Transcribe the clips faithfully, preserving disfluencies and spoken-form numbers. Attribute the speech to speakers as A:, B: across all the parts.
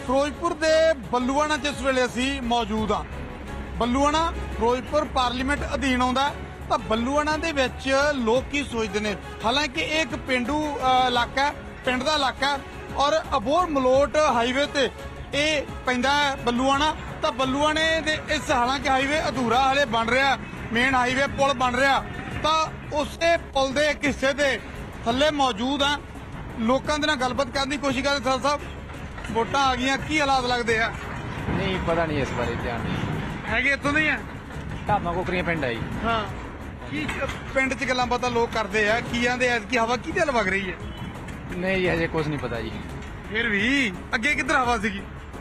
A: ਫਿਰੋਜ਼ਪੁਰ ਦੇ ਬੱਲੂਆਣਾ 'ਚ ਇਸ ਵੇਲੇ ਅਸੀਂ ਮੌਜੂਦ ਹਾਂ। ਬੱਲੂਆਣਾ ਫਿਰੋਜ਼ਪੁਰ ਪਾਰਲੀਮੈਂਟ ਅਧੀਨ ਆਉਂਦਾ ਤਾਂ ਬੱਲੂਆਣਾ ਦੇ ਵਿੱਚ ਲੋਕ ਕੀ ਸੋਚਦੇ ਨੇ। ਹਾਲਾਂਕਿ ਇਹ ਇੱਕ ਪਿੰਡੂ ਅ, ਇਲਾਕਾ ਹੈ, ਪਿੰਡ ਦਾ ਇਲਾਕਾ ਹੈ ਔਰ ਅਬੋਹਰ ਮਲੋਟ ਹਾਈਵੇ ਤੇ ਇਹ ਪੈਂਦਾ ਹੈ ਬੱਲੂਆਣਾ। ਤਾਂ ਬੱਲੂਆਣੇ ਦੇ ਇਸ ਹਾਲਾਂਕਿ ਹਾਈਵੇ ਅਧੂਰਾ ਹਲੇ ਬਣ ਰਿਹਾ, ਮੇਨ ਹਾਈਵੇ ਪੁਲ ਬਣ ਰਿਹਾ, ਤਾਂ ਉਸੇ ਪੁਲ ਦੇ ਇੱਕ ਹਿੱਸੇ ਦੇ ਥੱਲੇ ਮੌਜੂਦ ਆ। ਲੋਕਾਂ ਦੇ ਨਾਲ ਗੱਲਬਾਤ ਕਰਨ ਦੀ ਕੋਸ਼ਿਸ਼ ਕਰਦੇ। ਸਰ ਸਾਹਿਬ, ਵੋਟਾਂ ਆ ਗਈਆਂ, ਕੀ ਹਾਲਾਤ ਲੱਗਦੇ ਆ?
B: ਨਹੀਂ ਪਤਾ ਨਹੀਂ ਇਸ ਬਾਰੇ, ਧਿਆਨ ਨਹੀਂ।
A: ਹੈਗੇ ਇੱਥੋਂ ਦੇ ਹੀ ਆ?
B: ਢਾਬਾ ਕੋਕਰੀਆਂ ਪਿੰਡ ਆਈ।
A: ਹਾਂ, ਕੀ ਪਿੰਡ 'ਚ ਗੱਲਾਂ ਬਾਤਾਂ ਲੋਕ ਕਰਦੇ ਆ, ਕੀ ਆਂਦੇ ਆ ਕਿ ਹਵਾ ਕਿਹਦੇ ਵੱਲ ਵਗ ਰਹੀ ਹੈ?
B: ਨਹੀਂ ਜੀ, ਹਜੇ ਕੁਝ ਨਹੀਂ ਪਤਾ ਜੀ।
A: ਫਿਰ ਵੀ ਅੱਗੇ ਕਿੱਧਰ ਹਵਾ ਸੀਗੀ?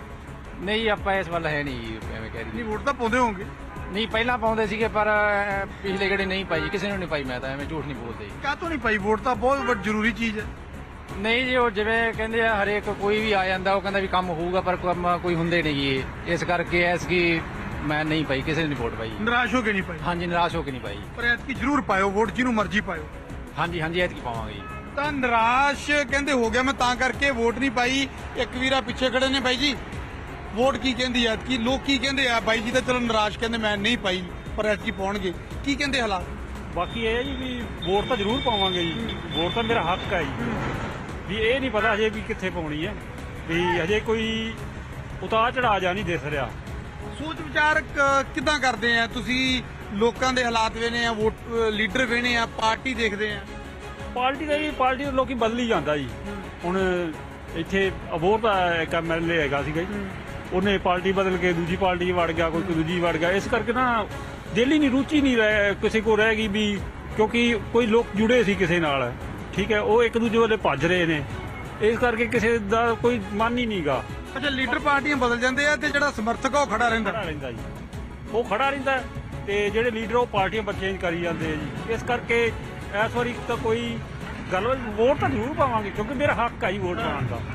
B: ਨਹੀਂ ਆਪਾਂ ਇਸ ਵੱਲ ਹੈ ਨਹੀਂ ਜੀ, ਐਵੇਂ ਕਹਿ
A: ਨਹੀਂ,
B: ਰਹੀ।
A: ਵੋਟ ਤਾਂ ਪਾਉਂਦੇ ਹੋਵੋਗੇ।
B: ਨਹੀਂ ਪਹਿਲਾਂ ਪਾਉਂਦੇ ਸੀਗੇ ਪਰ ਅਹ, ਪਿਛਲੇ ਗੇੜੇ ਨਹੀਂ ਪਾਈ, ਕਿਸੇ ਨੂੰ ਨਹੀਂ ਪਾਈ। ਮੈਂ ਤਾਂ ਐਵੇਂ ਝੂਠ ਨਹੀਂ ਬੋਲਦੇ ਜੀ।
A: ਕਾਹਤੋਂ ਨਹੀਂ ਪਾਈ? ਵੋਟ ਤਾਂ ਬਹੁਤ ਵੱਡੀ ਜ਼ਰੂਰੀ ਚੀਜ਼ ਹੈ।
B: ਨਹੀਂ ਜੀ, ਉਹ ਜਿਵੇਂ ਕਹਿੰਦੇ ਆ ਹਰੇਕ ਕੋਈ ਵੀ ਆ ਜਾਂਦਾ ਉਹ ਕਹਿੰਦਾ ਵੀ ਕੰਮ ਹੋਊਗਾ, ਪਰ ਕੰਮ ਕੋਈ ਹੁੰਦੇ ਨਹੀਂ ਜੀ। ਇਸ ਕਰਕੇ ਐਸ ਕੀ ਮੈਂ ਨਹੀਂ ਪਾਈ, ਕਿਸੇ ਨੇ ਨਹੀਂ ਵੋਟ ਪਾਈ।
A: ਨਿਰਾਸ਼ ਹੋ ਕੇ ਨਹੀਂ ਪਾਈ?
B: ਹਾਂਜੀ, ਨਿਰਾਸ਼ ਹੋ ਕੇ ਨਹੀਂ ਪਾਈ।
A: ਪਰ ਐਤਕੀ ਜ਼ਰੂਰ ਪਾਇਓ ਵੋਟ, ਜਿਹਨੂੰ ਮਰਜ਼ੀ ਪਾਇਓ।
B: ਹਾਂਜੀ ਹਾਂਜੀ, ਐਤਕੀ ਪਾਵਾਂਗੇ ਜੀ।
A: ਤਾਂ ਨਿਰਾਸ਼ ਕਹਿੰਦੇ ਹੋ ਗਿਆ ਮੈਂ, ਤਾਂ ਕਰਕੇ ਵੋਟ ਨਹੀਂ ਪਾਈ। ਇੱਕ ਵੀਰਾ ਪਿੱਛੇ ਖੜੇ ਨੇ ਬਾਈ ਜੀ, ਵੋਟ ਕੀ ਕਹਿੰਦੀ ਐ ਕਿ ਲੋਕ ਕੀ ਕਹਿੰਦੇ ਆ? ਬਾਈ ਜੀ ਤਾਂ ਚਲੋ ਨਿਰਾਸ਼ ਕਹਿੰਦੇ ਮੈਂ ਨਹੀਂ ਪਾਈ, ਪਰ ਐਤਕੀ ਪਾਉਣਗੇ। ਕੀ ਕਹਿੰਦੇ ਹਾਲਾਤ?
C: ਬਾਕੀ ਇਹ ਹੈ ਜੀ ਵੀ ਵੋਟ ਤਾਂ ਜ਼ਰੂਰ ਪਾਵਾਂਗੇ ਜੀ, ਵੋਟ ਤਾਂ ਮੇਰਾ ਹੱਕ ਹੈ ਜੀ। ਵੀ ਇਹ ਨਹੀਂ ਪਤਾ ਹਜੇ ਵੀ ਕਿੱਥੇ ਪਾਉਣੀ ਹੈ, ਵੀ ਹਜੇ ਕੋਈ ਉਤਾਰ ਚੜਾਅ ਜਾ ਨਹੀਂ ਦਿਸ ਰਿਹਾ।
A: ਸੋਚ ਵਿਚਾਰ ਕ- ਕਿੱਦਾਂ ਕਰਦੇ ਆ ਤੁਸੀਂ? ਲੋਕਾਂ ਦੇ ਹਾਲਾਤ ਵੇਨੇ ਆ, ਵੋਟ ਲੀਡਰ ਵੇਨੇ ਆ, ਪਾਰਟੀ ਦੇਖਦੇ ਆ?
C: ਪਾਰਟੀ ਦਾ ਵੀ ਪਾਰਟੀ ਦੇ ਲੋਕੀ ਬਦਲੀ ਜਾਂਦਾ ਜੀ। ਹੁਣ ਇੱਥੇ ਅਬੋਹਰ ਦਾ ਇੱਕ ਐਮ ਐਲ ਏ ਹੈਗਾ ਸੀਗਾ ਜੀ, ਉਹਨੇ ਪਾਰਟੀ ਬਦਲ ਕੇ ਦੂਜੀ ਪਾਰਟੀ 'ਚ ਵੜ ਗਿਆ, ਕੋਈ ਦੂਜੀ ਵੜ ਗਿਆ। ਇਸ ਕਰਕੇ ਨਾ ਦਿਲ ਹੀ ਨਹੀਂ, ਰੁਚੀ ਨਹੀਂ ਰਹਿ ਕਿਸੇ ਕੋਲ ਰਹਿ ਗਈ ਵੀ, ਕਿਉਂਕਿ ਕੋਈ ਲੋਕ ਜੁੜੇ ਸੀ ਕਿਸੇ ਨਾਲ, ਠੀਕ ਹੈ, ਉਹ ਇੱਕ ਦੂਜੇ ਵੱਲੇ ਭੱਜ ਰਹੇ ਨੇ। ਇਸ ਕਰਕੇ ਕਿਸੇ ਦਾ ਕੋਈ ਮਨ ਹੀ ਨਹੀਂਗਾ।
A: ਅੱਛਾ, ਲੀਡਰ ਪਾਰਟੀਆਂ ਬਦਲ ਜਾਂਦੇ ਆ ਤੇ ਜਿਹੜਾ ਸਮਰਥਕ ਆ ਉਹ ਖੜਾ ਰਹਿੰਦਾ?
C: ਖੜਾ ਰਹਿੰਦਾ ਜੀ, ਉਹ ਖੜਾ ਰਹਿੰਦਾ ਤੇ ਜਿਹੜੇ ਲੀਡਰ ਉਹ ਪਾਰਟੀਆਂ ਪਰ ਚੇਂਜ ਕਰੀ ਜਾਂਦੇ ਆ ਜੀ। ਇਸ ਕਰਕੇ ਇਸ ਵਾਰੀ ਤਾਂ ਕੋਈ ਗੱਲ, ਵੋਟ ਤਾਂ ਜ਼ਰੂਰ ਪਾਵਾਂਗੇ ਕਿਉਂਕਿ ਮੇਰਾ ਹੱਕ ਆ ਜੀ ਵੋਟ ਪਾਉਣ ਦਾ।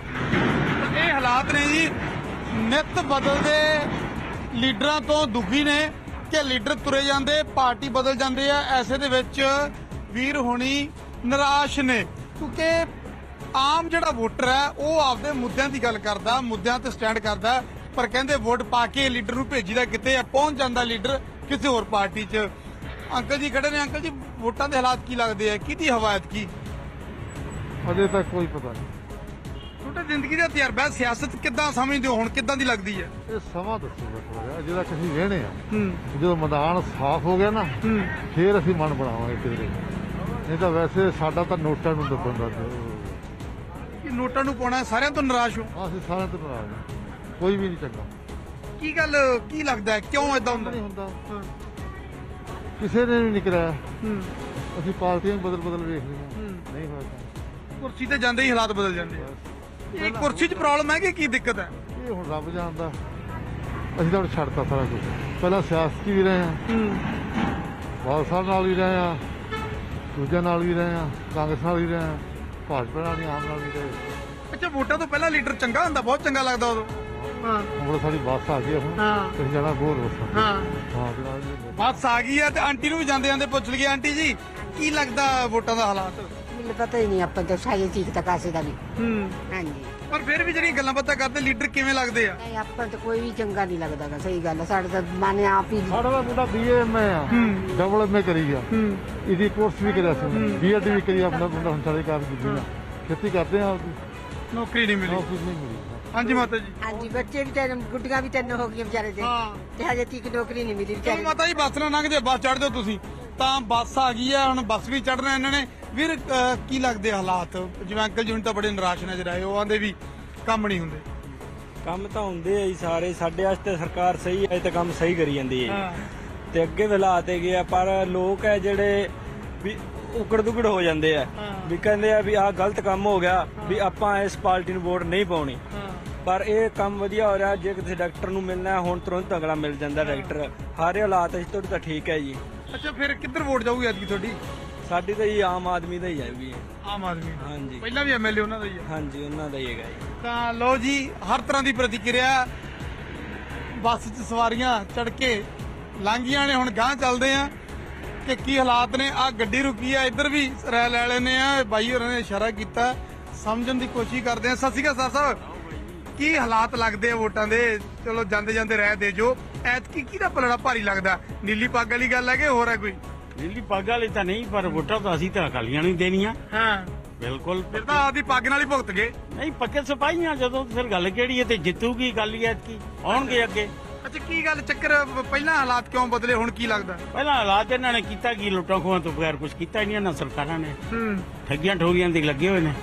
A: ਇਹ ਹਾਲਾਤ ਨੇ ਜੀ, ਨਿੱਤ ਬਦਲਦੇ ਲੀਡਰਾਂ ਤੋਂ ਦੁਖੀ ਨੇ ਕਿ ਲੀਡਰ ਤੁਰੇ ਜਾਂਦੇ, ਪਾਰਟੀ ਬਦਲ ਜਾਂਦੇ ਆ। ਐਸੇ ਦੇ ਵਿੱਚ ਵੀਰ ਹੋਣੀ ਨਿਰਾਸ਼ ਨੇ, ਕਿਉਂਕਿ ਆਮ ਜਿਹੜਾ ਵੋਟਰ ਹੈ ਉਹ ਆਪਦੇ ਮੁੱਦਿਆਂ ਦੀ ਗੱਲ ਕਰਦਾ, ਮੁੱਦਿਆਂ ਤੇ ਸਟੈਂਡ ਕਰਦਾ, ਪਰ ਕਹਿੰਦੇ ਵੋਟ ਪਾ ਕੇ ਲੀਡਰ ਨੂੰ ਭੇਜੀਦਾ ਕਿਤੇ ਆ, ਪਹੁੰਚ ਜਾਂਦਾ ਲੀਡਰ ਕਿਸੇ ਹੋਰ ਪਾਰਟੀ 'ਚ। ਅੰਕਲ ਜੀ ਖੜੇ ਨੇ। ਅੰਕਲ ਜੀ, ਵੋਟਾਂ ਦੇ ਹਾਲਾਤ ਕੀ ਲੱਗਦੇ ਆ? ਕਿਹਦੀ ਹਵਾਇਤ ਕੀ?
D: ਅਜੇ ਤੱਕ ਕੋਈ ਪਤਾ ਨਹੀਂ।
A: ਤੁਹਾਡੀ ਜ਼ਿੰਦਗੀ ਦਾ ਤਜਰਬਾ, ਸਿਆਸਤ ਕਿੱਦਾਂ ਸਮਝਦੇ ਹੋ ਹੁਣ, ਕਿੱਦਾਂ ਦੀ ਲੱਗਦੀ ਹੈ?
D: ਇਹ ਸਮਾਂ ਦੱਸੂਗਾ ਥੋੜਾ ਜਿਹਾ। ਅਜੇ ਤੱਕ ਅਸੀਂ ਵੇਹਣੇ ਆ,
A: ਹੂੰ
D: ਜਦੋਂ ਮੈਦਾਨ ਸਾਫ਼ ਹੋ ਗਿਆ ਨਾ
A: ਹੂੰ
D: ਫੇਰ ਅਸੀਂ ਮਨ ਬਣਾਵਾਂਗੇ ਕਿਧਰੇ। ਨਹੀਂ ਤਾਂ ਵੈਸੇ ਸਾਡਾ ਤਾਂ ਨੋਟਾਂ ਨੂੰ ਦੱਬਣ ਦਾ
A: ਕਿ ਨੋਟਾਂ ਨੂੰ ਪਾਉਣਾ, ਸਾਰਿਆਂ ਤੋਂ ਨਿਰਾਸ਼ ਹੋ?
D: ਅਸੀਂ ਸਾਰਿਆਂ ਤੋਂ ਨਾਰਾਜ਼ ਹਾਂ, ਕੋਈ ਵੀ ਨਹੀਂ ਚੰਗਾ।
A: ਕੀ ਗੱਲ, ਕੀ ਲੱਗਦਾ ਹੈ, ਕਿਉਂ ਏਦਾਂ ਹੁੰਦਾ?
D: ਨਹੀਂ ਹੁੰਦਾ,
A: ਹਾਂ,
D: ਕਿਸੇ ਨੇ ਵੀ ਨਹੀਂ ਕਰਾਇਆ।
A: ਹੂੰ
D: ਅਸੀਂ ਪਾਰਟੀਆਂ ਬਦਲ ਬਦਲ ਵੇਖ ਲਈਆਂ,
A: ਹੂੰ।
D: ਨਹੀਂ ਹੋਇਆ।
A: ਕੁਰਸੀ ਤੇ ਜਾਂਦੇ ਹੀ ਹਾਲਾਤ ਬਦਲ ਜਾਂਦੇ ਆ। ਇਹ ਕੁਰਸੀ 'ਚ ਪ੍ਰੋਬਲਮ ਹੈ ਕਿ ਕੀ ਦਿੱਕਤ ਹੈ?
D: ਇਹ ਹੁਣ ਰੱਬ ਜਾਣਦਾ। ਅਸੀਂ ਤਾਂ ਹੁਣ ਛੱਡਤਾ ਸਾਰਾ ਕੁਝ। ਪਹਿਲਾਂ ਸਿਆਸਤ 'ਚ ਵੀ ਰਹੇ ਹਾਂ,
A: ਹੂੰ
D: ਬਾਦਲ ਸਾਹਿਬ ਨਾਲ ਵੀ ਰਹੇ ਹਾਂ, ਦੂਜਿਆਂ ਨਾਲ ਵੀ ਰਹੇ ਹਾਂ, ਕਾਂਗਰਸ ਨਾਲ ਵੀ ਰਹੇ ਹਾਂ, ਭਾਜਪਾ ਨਾਲ ਵੀ, ਆਮ ਨਾਲ ਵੀ ਰਹੇ।
A: ਅੱਛਾ, ਵੋਟਾਂ ਤੋਂ ਪਹਿਲਾਂ ਲੀਡਰ ਚੰਗਾ ਹੁੰਦਾ, ਬਹੁਤ ਚੰਗਾ ਲੱਗਦਾ ਉਦੋਂ? ਹਾਂ
D: ਹੁਣ ਸਾਡੀ ਬੱਸ ਆ ਗਈ ਆ, ਹੁਣ
A: ਹਾਂ
D: ਅਸੀਂ ਜਾਣਾ ਹੋਰ ਬੱਸ।
A: ਹਾਂ,
D: ਹਾਂ ਤੇ ਨਾਲ ਵੀ
A: ਬੱਸ ਆ ਗਈ ਹੈ ਤੇ ਆਂਟੀ ਨੂੰ ਵੀ ਜਾਂਦੇ ਜਾਂਦੇ ਪੁੱਛ ਲਈਏ, ਆਂਟੀ ਜੀ ਕੀ ਲੱਗਦਾ ਵੋਟਾਂ ਦਾ ਹਾਲਾਤ?
E: ਮੈਨੂੰ ਪਤਾ ਹੀ ਨਹੀਂ, ਆਪਾਂ ਤਾਂ ਸਾਰੇ ਠੀਕ ਤਾਂ ਕਾਸੇ ਦਾ ਵੀ।
A: ਹੂੰ
E: ਹਾਂਜੀ,
A: ਪਰ ਫਿਰ ਵੀ ਜਿਹੜੀਆਂ ਗੱਲਾਂ ਬਾਤਾਂ ਕਰਦੇ ਲੀਡਰ ਕਿਵੇਂ ਲੱਗਦੇ ਆ?
E: ਨਹੀਂ ਆਪਾਂ ਤਾਂ ਕੋਈ ਵੀ ਚੰਗਾ ਨਹੀਂ ਲੱਗਦਾ ਗਾ, ਸਹੀ ਗੱਲ ਆ। ਸਾਡੇ ਤਾਂ ਮਨ ਆਪ ਹੀ
D: ਸਾਡਾ ਤਾਂ ਮੁੰਡਾ ਬੀਏ ਐਮਏ ਆ,
A: ਹੂੰ
D: ਡਬਲ ਐਮਏ ਕਰੀ ਗਿਆ,
A: ਹੂੰ
D: ਇਹਦੀ ਕੋਰਸ ਵੀ ਕਰਿਆ ਸੀ, ਬੀਐਡ ਵੀ ਕਰੀ। ਆਪਣਾ ਮੁੰਡਾ ਹੁਣ ਸਾਡੇ ਘਰ ਦੀ ਨਾ ਖੇਤੀ ਕਰਦੇ ਆ,
A: ਨੌਕਰੀ ਨਹੀਂ ਮਿਲੀ?
D: ਨੌਕਰੀ ਨਹੀਂ ਮਿਲੀ।
A: ਹਾਂਜੀ ਮਾਤਾ ਜੀ।
E: ਹਾਂਜੀ, ਬੱਚੇ ਵੀ ਤਿੰਨ, ਗੁੱਡੀਆਂ ਵੀ ਤਿੰਨ ਹੋ ਗਈਆਂ ਵਿਚਾਰੇ ਦੇ,
A: ਹਾਂ।
E: ਤੇ ਹਜੇ ਤੀਕ ਨੌਕਰੀ ਨਹੀਂ ਮਿਲੀ
A: ਚਲੋ
E: ਵਿਚਾਰੇ
A: ਮਾਤਾ ਜੀ, ਬੱਸ ਨਾ ਲੰਘ ਜੇ, ਬੱਸ ਚੜ੍ਹ ਜਾਓ ਤੁਸੀਂ। ਤਾਂ ਬੱਸ ਆ ਗਈ ਆ, ਹੁਣ ਬੱਸ ਵੀ ਚੜ੍ਹਨਾ ਇਹਨਾਂ ਨੇ। ਵੀਰ, ਅਹ, ਕੀ ਲੱਗਦੇ ਹਾਲਾਤ? ਜਿਵੇਂ ਅੰਕਲ ਜੀ ਹੁਣ ਤਾਂ ਬੜੇ ਨਿਰਾਸ਼ ਨਜ਼ਰ ਆਏ, ਉਹ ਆਂਦੇ ਵੀ ਕੰਮ ਨਹੀਂ ਹੁੰਦੇ।
F: ਕੰਮ ਤਾਂ ਹੁੰਦੇ ਆ ਜੀ ਸਾਰੇ, ਸਾਡੇ ਵਾਸਤੇ ਸਰਕਾਰ ਸਹੀ ਹੈ ਤੇ ਕੰਮ ਸਹੀ ਕਰੀ ਜਾਂਦੀ ਹੈ
A: ਹਾਂ,
F: ਤੇ ਅੱਗੇ ਵੀ ਲਾ ਤੇ ਗਿਆ, ਪਰ ਲੋਕ ਹੈ ਜਿਹੜੇ ਵੀ ਉਕੜ ਦੁਕੜ ਹੋ ਜਾਂਦੇ ਆ,
A: ਹਾਂ।
F: ਵੀ ਕਹਿੰਦੇ ਆ ਵੀ ਆਹ ਗਲਤ ਕੰਮ ਹੋ ਗਿਆ, ਵੀ ਆਪਾਂ ਇਸ ਪਾਰਟੀ ਨੂੰ ਵੋਟ ਨਹੀਂ ਪਾਉਣੀ।
A: ਹਾਂ,
F: ਪਰ ਇਹ ਕੰਮ ਵਧੀਆ ਹੋ ਰਿਹਾ। ਜੇ ਕਿਸੇ ਡਾਕਟਰ ਨੂੰ ਮਿਲਣਾ ਹੈ, ਹੁਣ ਤੁਰੰਤ ਅਗਲਾ ਮਿਲ ਜਾਂਦਾ ਡਾਕਟਰ। ਸਾਰੇ ਹਾਲਾਤ ਇਸ ਤੋਂ ਤਾਂ ਠੀਕ ਹੈ ਜੀ।
A: ਅੱਛਾ, ਫਿਰ ਕਿੱਧਰ ਵੋਟ ਜਾਊਗੀ ਐਤਕੀ ਤੁਹਾਡੀ?
F: ਸਾਡੀ ਤਾਂ ਜੀ ਆਮ ਆਦਮੀ ਦਾ ਹੀ ਹੈ ਵੀ।
A: ਆਮ ਆਦਮੀ।
F: ਹਾਂਜੀ
A: ਪਹਿਲਾਂ ਵੀ ਐਮਐਲਏ ਉਹਨਾਂ ਦਾ ਹੀ ਆ।
F: ਹਾਂਜੀ, ਉਹਨਾਂ ਦਾ ਹੀ ਹੈਗਾ ਜੀ।
A: ਤਾਂ ਲਓ ਜੀ, ਹਰ ਤਰ੍ਹਾਂ ਦੀ ਪ੍ਰਤੀਕਿਰਿਆ। ਬੱਸ 'ਚ ਸਵਾਰੀਆਂ ਚੜ ਕੇ ਲੰਘੀਆਂ ਨੇ, ਹੁਣ ਗਾਂਹ ਚੱਲਦੇ ਆ ਕਿ ਕੀ ਹਾਲਾਤ ਨੇ। ਆ ਗੱਡੀ ਰੁਕੀ ਆ, ਇੱਧਰ ਵੀ ਰਹਿ ਲੈ ਲੈਨੇ ਆ। ਬਾਈ ਹੋਰਾਂ ਨੇ ਇਸ਼ਾਰਾ ਕੀਤਾ, ਸਮਝਣ ਦੀ ਕੋਸ਼ਿਸ਼ ਕਰਦੇ ਆ। ਸਤਿ ਸ਼੍ਰੀ ਅਕਾਲ ਸਰ ਸਾਹਿਬ, ਕੀ ਹਾਲਾਤ ਲੱਗਦੇ ਆ ਵੋਟਾਂ ਦੇ? ਚਲੋ ਜਾਂਦੇ ਜਾਂਦੇ ਰਹਿ ਦੇ ਜੋ ਐਤਕੀ ਕਿਹਦਾ ਪਲੜਾ ਭਾਰੀ ਲੱਗਦਾ? ਨੀਲੀ ਪੱਗ ਵਾਲੀ ਗੱਲ ਹੈ ਕਿ ਹੋਰ ਹੈ ਕੋਈ?
C: ਨੀਲੀ ਪੱਗ ਵਾਲੀ ਤਾਂ ਨਹੀਂ, ਪਰ ਵੋਟਾਂ ਤਾਂ ਅਸੀਂ ਤਾਂ ਅਕਾਲੀਆਂ ਨੂੰ ਹੀ ਦੇਣੀਆਂ।
A: ਹਾਂ
C: ਬਿਲਕੁਲ।
A: ਫਿਰ ਤਾਂ ਆਪਦੀ ਪੱਗ ਨਾਲ ਹੀ ਭੁਗਤ ਗਏ।
C: ਨਹੀਂ, ਪੱਕੇ ਸਿਪਾਹੀਆਂ ਜਦੋਂ, ਫਿਰ ਗੱਲ ਕਿਹੜੀ ਹੈ? ਤੇ ਜਿੱਤੂਗੀ ਅਕਾਲੀ ਐਤਕੀ, ਆਉਣਗੇ ਅੱਗੇ।
A: ਅੱਛਾ ਕੀ ਗੱਲ ਚੱਕਰ, ਪਹਿਲਾਂ ਹਾਲਾਤ ਕਿਉਂ ਬਦਲੇ, ਹੁਣ ਕੀ ਲੱਗਦਾ?
C: ਪਹਿਲਾਂ ਹਾਲਾਤ ਇਹਨਾਂ ਨੇ ਕੀਤਾ ਕੀ? ਲੁੱਟਾਂ ਖੋਹਾਂ ਤੋਂ ਬਗੈਰ ਕੁਝ ਕੀਤਾ ਹੀ ਨਹੀਂ ਇਹਨਾਂ ਸਰਕਾਰਾਂ ਨੇ।
A: ਹੂੰ
C: ਠੱਗੀਆਂ ਠੋਰੀਆਂ ਦੇ ਲੱਗੇ ਹੋਏ ਨੇ।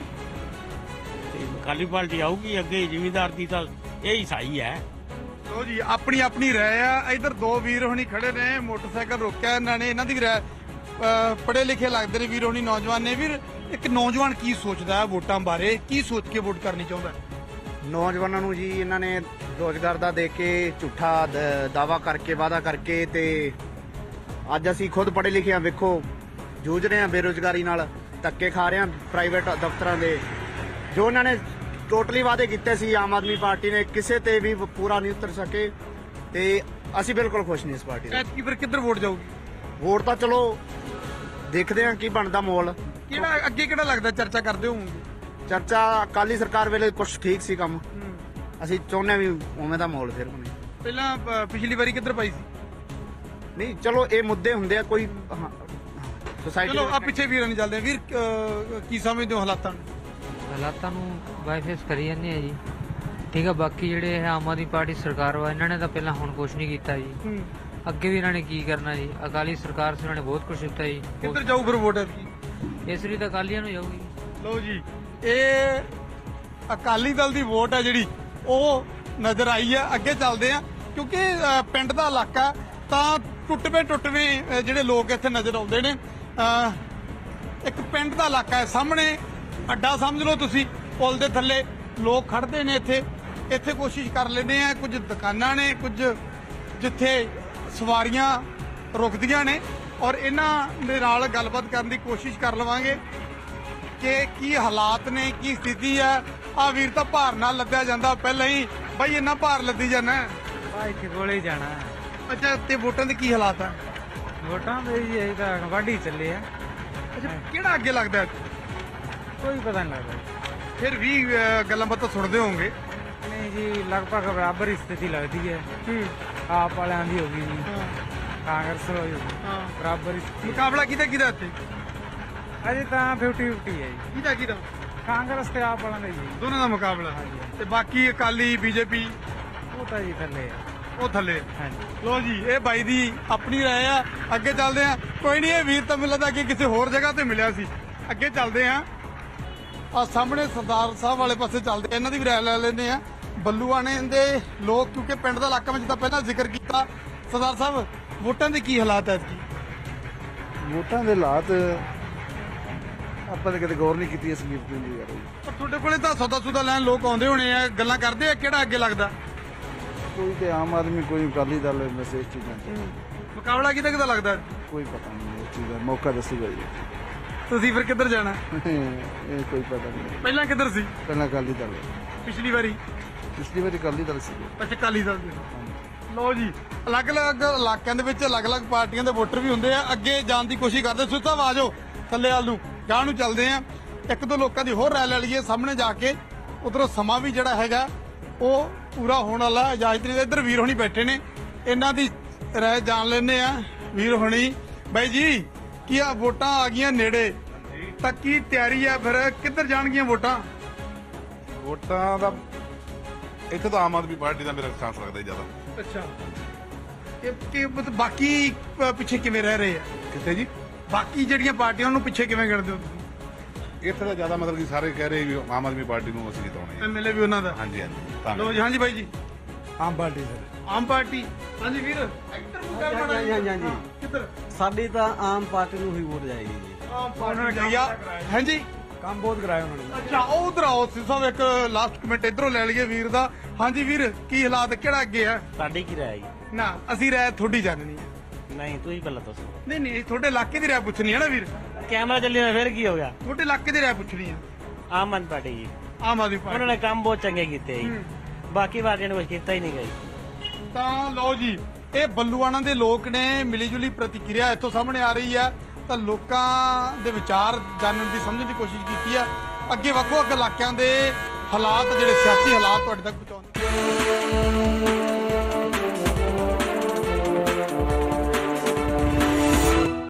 C: ਤੇ ਅਕਾਲੀ ਪਾਰਟੀ ਆਊਗੀ ਅੱਗੇ, ਜ਼ਿਮੀਂਦਾਰ ਦੀ ਤਾਂ ਇਹ ਹੀ ਸਹੀ ਹੈ।
A: ਲੋ ਜੀ ਆਪਣੀ ਆਪਣੀ ਰਾਏ ਆ। ਇਧਰ ਦੋ ਵੀਰ ਹੋਣੀ ਖੜੇ ਨੇ, ਮੋਟਰਸਾਈਕਲ ਰੋਕਿਆ ਇਹਨਾਂ ਨੇ, ਇਹਨਾਂ ਦੀ ਰਾਏ ਪੜ੍ਹੇ ਲਿਖੇ ਲੱਗਦੇ ਨੇ ਵੀਰ ਹੋਣੀ, ਨੌਜਵਾਨ ਨੇ। ਵੀਰ ਇੱਕ ਨੌਜਵਾਨ ਕੀ ਸੋਚਦਾ ਹੈ ਵੋਟਾਂ ਬਾਰੇ, ਕੀ ਸੋਚ ਕੇ ਵੋਟ ਕਰਨੀ ਚਾਹੁੰਦਾ?
G: ਨੌਜਵਾਨਾਂ ਨੂੰ ਜੀ ਇਹਨਾਂ ਨੇ ਰੋਜ਼ਗਾਰ ਦਾ ਦੇ ਕੇ ਝੂਠਾ ਦ- ਦਾਵਾ ਕਰਕੇ ਵਾਅਦਾ ਕਰਕੇ ਤੇ ਅੱਜ ਅਸੀਂ ਖੁਦ ਪੜ੍ਹੇ ਲਿਖੇ ਆ, ਵੇਖੋ ਜੂਝ ਰਹੇ ਆ ਬੇਰੁਜ਼ਗਾਰੀ ਨਾਲ, ਧੱਕੇ ਖਾ ਰਹੇ ਆ ਪ੍ਰਾਈਵੇਟ ਦਫ਼ਤਰਾਂ ਦੇ। ਜੋ ਇਹਨਾਂ ਨੇ ਟੋਟਲੀ ਵਾਅਦੇ ਕੀਤੇ ਸੀ ਆਮ ਆਦਮੀ ਪਾਰਟੀ ਨੇ ਕਿਸੇ ਤੇ ਵੀ ਪੂਰਾ ਨਹੀਂ ਉਤਰ ਸਕੇ ਤੇ ਅਸੀਂ ਬਿਲਕੁਲ ਖੁਸ਼ ਨਹੀਂ ਇਸ ਪਾਰਟੀ ਤੋਂ।
A: ਐਤਕੀ ਫਿਰ ਕਿੱਧਰ ਵੋਟ ਜਾਊਗੀ?
G: ਵੋਟ ਤਾਂ ਚਲੋ ਦੇਖਦੇ ਆ ਕੀ ਬਣਦਾ ਮੋਲ।
A: ਕਿਹੜਾ ਅੱਗੇ ਕਿਹੜਾ ਲੱਗਦਾ ਚਰਚਾ ਕਰਦੇ ਹੋਵੋਗੇ?
G: ਚਰਚਾ ਅਕਾਲੀ ਸਰਕਾਰ ਵੇਲੇ ਕੁਝ ਠੀਕ ਸੀ ਕੰਮ, ਅਸੀਂ ਚਾਹੁੰਦੇ ਹਾਂ ਵੀ ਉਵੇਂ ਦਾ ਮਾਹੌਲ ਫਿਰ ਬਣੇ।
A: ਪਹਿਲਾਂ ਪ- ਪਿਛਲੀ ਵਾਰੀ ਕਿੱਧਰ ਪਾਈ ਸੀ?
G: ਨਹੀਂ ਚਲੋ ਇਹ ਮੁੱਦੇ ਹੁੰਦੇ ਆ ਕੋਈ ਸੋਸਾਇਟੀ
A: ਚਲੋ ਆ ਪਿੱਛੇ ਵੀਰਾਂ ਨਹੀਂ ਚੱਲਦੇ। ਵੀਰ ਅਹ, ਕੀ ਸਮਝਦੇ ਹੋ ਹਾਲਾਤਾਂ ਨੂੰ?
H: ਹਾਲਾਤਾਂ ਨੂੰ ਬਾਈਫੇਸ ਕਰੀ ਜਾਂਦੇ ਆ ਜੀ, ਠੀਕ ਆ। ਬਾਕੀ ਜਿਹੜੇ ਇਹ ਆਮ ਆਦਮੀ ਪਾਰਟੀ ਸਰਕਾਰ ਵਾ, ਇਹਨਾਂ ਨੇ ਤਾਂ ਪਹਿਲਾਂ ਹੁਣ ਕੁਝ ਨਹੀਂ ਕੀਤਾ ਜੀ, ਅੱਗੇ ਵੀ ਇਹਨਾਂ ਨੇ ਕੀ ਕਰਨਾ ਜੀ। ਅਕਾਲੀ ਸਰਕਾਰ ਸੀ, ਉਹਨਾਂ ਨੇ ਬਹੁਤ ਕੁਝ ਦਿੱਤਾ ਜੀ।
A: ਕਿੱਧਰ ਜਾਊ ਫਿਰ ਵੋਟ ਐਤਕੀ?
H: ਇਸ ਲਈ ਤਾਂ ਅਕਾਲੀਆਂ ਨੂੰ ਜਾਊਗੀ।
A: ਲਓ ਜੀ ਇਹ ਅਕਾਲੀ ਦਲ ਦੀ ਵੋਟ ਹੈ ਜਿਹੜੀ ਉਹ ਨਜ਼ਰ ਆਈ ਹੈ। ਅੱਗੇ ਚੱਲਦੇ ਆ ਕਿਉਂਕਿ ਅਹ, ਪਿੰਡ ਦਾ ਇਲਾਕਾ ਤਾਂ ਟੁੱਟਵੇਂ ਟੁੱਟਵੇਂ ਅਹ, ਜਿਹੜੇ ਲੋਕ ਇੱਥੇ ਨਜ਼ਰ ਆਉਂਦੇ ਨੇ। ਅਹ, ਇੱਕ ਪਿੰਡ ਦਾ ਇਲਾਕਾ ਹੈ, ਸਾਹਮਣੇ ਅੱਡਾ ਸਮਝ ਲਓ ਤੁਸੀਂ, ਪੁਲ ਦੇ ਥੱਲੇ ਲੋਕ ਖੜਦੇ ਨੇ। ਇੱਥੇ ਇੱਥੇ ਕੋਸ਼ਿਸ਼ ਕਰ ਲੈਂਦੇ ਆ, ਕੁਝ ਦੁਕਾਨਾਂ ਨੇ, ਕੁਝ ਜਿੱਥੇ ਸਵਾਰੀਆਂ ਰੁਕਦੀਆਂ ਨੇ, ਔਰ ਇਹਨਾਂ ਦੇ ਨਾਲ ਗੱਲਬਾਤ ਕਰਨ ਦੀ ਕੋਸ਼ਿਸ਼ ਕਰ ਲਵਾਂਗੇ ਕਿ ਕੀ ਹਾਲਾਤ ਨੇ, ਕੀ ਸਥਿਤੀ ਹੈ। ਆ ਵੀਰ ਤਾਂ ਭਾਰ ਨਾਲ ਲੱਦਿਆ ਜਾਂਦਾ ਪਹਿਲਾਂ ਹੀ, ਬਾਈ ਇੰਨਾ ਭਾਰ ਲੱਦੀ ਜਾਣਾ।
B: ਭਾਈ ਇੱਥੇ ਕੋਲੇ ਹੀ ਜਾਣਾ।
A: ਅੱਛਾ ਤੇ ਵੋਟਾਂ ਦੇ ਕੀ ਹਾਲਾਤ ਆ?
B: ਵੋਟਾਂ ਦੇ ਜੀ ਇਹ ਤਾਂ ਵਾਢੀ ਚੱਲੇ ਆ,
A: ਅੱਛਾ ਕਿਹੜਾ ਅੱਗੇ ਲੱਗਦਾ?
B: ਕੋਈ ਪਤਾ ਨਹੀਂ ਲੱਗਦਾ।
A: ਫਿਰ ਵੀ ਅਹ, ਗੱਲਾਂ ਬਾਤਾਂ ਸੁਣਦੇ ਹੋਵੋਗੇ।
B: ਨਹੀਂ ਜੀ, ਲਗਭਗ ਬਰਾਬਰ ਹੀ ਸਥਿਤੀ ਲੱਗਦੀ ਹੈ। ਆਪ ਵਾਲਿਆਂ ਦੀ ਹੋ ਗਈ ਜੀ, ਕਾਂਗਰਸ ਹੋ ਗਈ, ਬਰਾਬਰ ਹੀ ਸਥਿਤੀ।
A: ਮੁਕਾਬਲਾ ਕਿਹਦਾ ਕਿਹਦਾ ਇੱਥੇ?
B: ਅਜੇ ਤਾਂ ਫਿਫਟੀ ਫਿਫਟੀ ਹੈ ਜੀ,
A: ਕਿਹਦਾ ਕਿਹਦਾ?
B: ਕਾਂਗਰਸ ਤੇ ਆਪ ਵਾਲਿਆਂ ਦਾ ਜੀ।
A: ਦੋਨਾਂ ਦਾ ਮੁਕਾਬਲਾ। ਤੇ ਬਾਕੀ ਅਕਾਲੀ ਬੀਜੇਪੀ
B: ਉਹ ਤਾਂ ਜੀ ਥੱਲੇ ਆ।
A: ਉਹ ਥੱਲੇ।
B: ਹਾਂਜੀ
A: ਲੋ ਜੀ ਇਹ ਬਾਈ ਦੀ ਆਪਣੀ ਰਾਏ ਆ। ਅੱਗੇ ਚੱਲਦੇ ਆ। ਕੋਈ ਨਹੀਂ, ਇਹ ਵੀਰ ਤਾਂ ਮੈਨੂੰ ਲੱਗਦਾ ਕਿ ਕਿਸੇ ਹੋਰ ਜਗ੍ਹਾ ਤੇ ਮਿਲਿਆ ਸੀ। ਅੱਗੇ ਚੱਲਦੇ ਆ, ਆ ਸਾਹਮਣੇ ਸਰਦਾਰ ਸਾਹਿਬ ਵਾਲੇ ਪਾਸੇ ਚੱਲਦੇ ਆ, ਇਹਨਾਂ ਦੀ ਵੀ ਰਾਏ ਲੈ ਲੈਂਦੇ ਆ। ਬੱਲੂਆਣੇ ਦੇ ਲੋਕ, ਕਿਉਂਕਿ ਪਿੰਡ ਦਾ ਇਲਾਕਾ ਵਿੱਚ ਤਾਂ ਪਹਿਲਾਂ ਜ਼ਿਕਰ ਕੀਤਾ। ਸਰਦਾਰ ਸਾਹਿਬ ਵੋਟਾਂ ਦੇ ਕੀ ਹਾਲਾਤ ਐ?
D: ਵੋਟਾਂ ਦੇ ਹਾਲਾਤ ਆਪਾਂ ਤਾਂ ਕਦੇ ਗੌਰ ਨਹੀਂ ਕੀਤੀ ਇਸ ਮੀਤ ਦੀ ਯਾਰ।
A: ਪਰ ਤੁਹਾਡੇ ਕੋਲੇ ਤਾਂ ਸੌਦਾ ਸੁਦਾ ਲੈਣ ਲੋਕ ਆਉਂਦੇ ਹੋਣੇ ਆ, ਗੱਲਾਂ ਕਰਦੇ ਆ, ਕਿਹੜਾ ਅੱਗੇ ਲੱਗਦਾ?
D: ਕੋਈ ਤੇ ਆਮ ਆਦਮੀ, ਕੋਈ ਅਕਾਲੀ ਦਲ, ਵੈਸੇ ਇਸ ਚੀਜ਼ਾਂ 'ਚ
A: ਮੁਕਾਬਲਾ ਕਿਹਦਾ ਕਿਹਦਾ ਲੱਗਦਾ?
D: ਕੋਈ ਪਤਾ ਨਹੀਂ, ਇਸ ਚੀਜ਼ ਦਾ ਮੌਕਾ ਦੱਸੂਗਾ ਜੀ।
A: ਤੁਸੀਂ ਫਿਰ ਕਿੱਧਰ ਜਾਣਾ?
D: ਇਹ ਕੋਈ ਪਤਾ ਨਹੀਂ।
A: ਪਹਿਲਾਂ ਕਿੱਧਰ ਸੀ?
D: ਪਹਿਲਾਂ ਅਕਾਲੀ ਦਲ,
A: ਪਿਛਲੀ ਵਾਰੀ
D: ਪਿਛਲੀ ਵਾਰੀ ਅਕਾਲੀ ਦਲ ਸੀ।
A: ਅੱਛਾ ਅਕਾਲੀ ਦਲ ਦੇ। ਲੋ ਜੀ ਅਲੱਗ-ਅਲੱਗ ਇਲਾਕਿਆਂ ਦੇ ਵਿੱਚ ਅਲੱਗ-ਅਲੱਗ ਪਾਰਟੀਆਂ ਦੇ ਵੋਟਰ ਵੀ ਹੁੰਦੇ ਆ। ਅੱਗੇ ਜਾਣ ਦੀ ਕੋਸ਼ਿਸ਼ ਕਰਦੇ। ਸੁੱਤਾ ਆ ਜਾਓ ਥੱਲੇ ਵੱਲ ਨੂੰ, ਗਾਂ ਨੂੰ ਚੱਲਦੇ ਆ। ਇੱਕ ਦੋ ਲੋਕਾਂ ਦੀ ਹੋਰ ਰਾਏ ਲੈ ਲਈਏ ਸਾਹਮਣੇ ਜਾ ਕੇ। ਉਧਰੋਂ ਸਮਾਂ ਵੀ ਜਿਹੜਾ ਹੈਗਾ ਉਹ ਪੂਰਾ ਹੋਣ ਵਾਲਾ। ਇਜਾਜ਼ਤ ਨਹੀਂ। ਇੱਧਰ ਵੀਰ ਹੋਣੀ ਬੈਠੇ ਨੇ, ਇਹਨਾਂ ਦੀ ਰਾਏ ਜਾਣ ਲੈਂਦੇ ਆ। ਵੀਰ ਹੋਣੀ, ਬਾਈ ਜੀ ਕੀ ਆ ਵੋਟਾਂ ਆ ਗਈਆਂ ਨੇੜੇ, ਤਾਂ ਕੀ ਤਿਆਰੀ ਆ? ਫਿਰ ਕਿੱਧਰ ਜਾਣਗੀਆਂ ਵੋਟਾਂ?
I: ਵੋਟਾਂ ਦਾ ਇੱਥੇ ਤਾਂ ਆਮ ਆਦਮੀ ਪਾਰਟੀ ਦਾ ਮੇਰਾ ਚਾਂਸ ਲੱਗਦਾ ਜੀ ਜ਼ਿਆਦਾ।
A: ਅੱਛਾ ਇਹ ਕਿ ਮਤਲਬ ਬਾਕੀ ਪ- ਪਿੱਛੇ ਕਿਵੇਂ ਰਹਿ ਰਹੇ ਆ?
I: ਕਿੱਥੇ ਜੀ?
A: ਬਾਕੀ ਜਿਹੜੀਆਂ ਪਾਰਟੀਆਂ ਨੂੰ ਪਿੱਛੇ ਕਿਵੇਂ ਗਿਣਦੇ ਹੋ ਤੁਸੀਂ?
I: ਇੱਥੇ ਤਾਂ ਜ਼ਿਆਦਾ ਮਤਲਬ ਕਿ ਸਾਰੇ ਕਹਿ ਰਹੇ ਵੀ ਆਮ ਆਦਮੀ ਪਾਰਟੀ ਨੂੰ ਅਸੀਂ ਜਿਤਾਉਣਾ ਹੈ।
A: ਐਮਐਲਏ ਵੀ ਉਹਨਾਂ ਦਾ।
I: ਹਾਂਜੀ ਹਾਂਜੀ ਤਾਂ
A: ਲੋ ਜੀ, ਹਾਂਜੀ ਬਾਈ ਜੀ।
F: Aam party sir.
A: Aam party. ਹਾਂਜੀ ਵੀਰ ਐਕਟਰ ਮੁਕਾਬਲਾ
F: ਹਾਂਜੀ, ਹਾਂਜੀ, ਹਾਂਜੀ।
A: ਕਿੱਧਰ?
F: ਸਾਡੀ ਤਾਂ ਆਮ ਪਾਰਟੀ ਨੂੰ ਹੀ ਵੋਟ ਜਾਏਗੀ ਜੀ।
A: ਆਮ ਪਾਰਟੀ ਜਾਈਆ। ਹਾਂਜੀ
F: ਕੰਮ ਬਹੁਤ ਕਰਾਇਆ ਉਹਨਾਂ ਨੇ।
A: ਅੱਛਾ ਉਹ ਉਧਰ ਆਓ ਸੀ ਸਾਹਿਬ, ਇੱਕ ਲਾਸਟ ਕਮੈਂਟ ਇਧਰੋਂ ਲੈ ਲਈਏ ਵੀਰ ਦਾ। ਹਾਂਜੀ ਵੀਰ ਕੀ ਹਾਲਾਤ, ਕਿਹੜਾ ਅੱਗੇ ਆ?
J: ਤੁਹਾਡੀ ਕੀ ਰਾਏ ਹੈ?
A: ਨਾ ਅਸੀਂ ਰਾਏ ਥੋੜੀ ਜਾਣਨੀ ਹੈ।
J: ਨਹੀਂ ਤੁਸੀਂ ਪਹਿਲਾਂ ਦੱਸੋ।
A: ਨਹੀਂ ਨਹੀਂ ਤੁਹਾਡੇ ਇਲਾਕੇ ਦੀ ਰਾਏ ਪੁੱਛਣੀ ਹੈ ਨਾ ਵੀਰ।
J: ਕੈਮਰਾ ਚੱਲੀ ਹੋਇਆ ਫਿਰ ਕੀ ਹੋ ਗਿਆ?
A: ਤੁਹਾਡੇ ਇਲਾਕੇ ਦੀ ਰਾਏ ਪੁੱਛਣੀ ਹੈ।
J: ਆਮ ਆਦਮੀ ਪਾਰਟੀ ਜੀ,
A: ਆਮ ਆਦਮੀ
J: ਉਹਨਾਂ
A: ਪਾਰਟੀ।
J: ਨੇ ਕੰਮ ਬਹੁਤ ਚੰਗੇ ਕੀਤੇ ਜੀ, ਬਾਕੀ ਪਾਰਟੀਆਂ ਨੇ ਕੁਝ ਕੀਤਾ ਹੀ ਨਹੀਂ ਗਈ।
A: ਤਾਂ ਲਓ ਜੀ ਇਹ ਬੱਲੂਆਣਾ ਦੇ ਲੋਕ ਨੇ, ਮਿਲੀ ਜੁਲੀ ਪ੍ਰਤੀਕਿਰਿਆ ਇੱਥੋਂ ਸਾਹਮਣੇ ਆ ਰਹੀ ਹੈ। ਤਾਂ ਲੋਕਾਂ ਦੇ ਵਿਚਾਰ ਜਾਣਨ ਦੀ, ਸਮਝਣ ਦੀ ਕੋਸ਼ਿਸ਼ ਕੀਤੀ ਆ। ਅੱਗੇ ਵੱਖੋ ਵੱਖ ਇਲਾਕਿਆਂ ਦੇ ਹਾਲਾਤ ਜਿਹੜੇ ਸਿਆਸੀ ਹਾਲਾਤ ਤੁਹਾਡੇ ਤੱਕ ਪਹੁੰਚਾਉਂਦੇ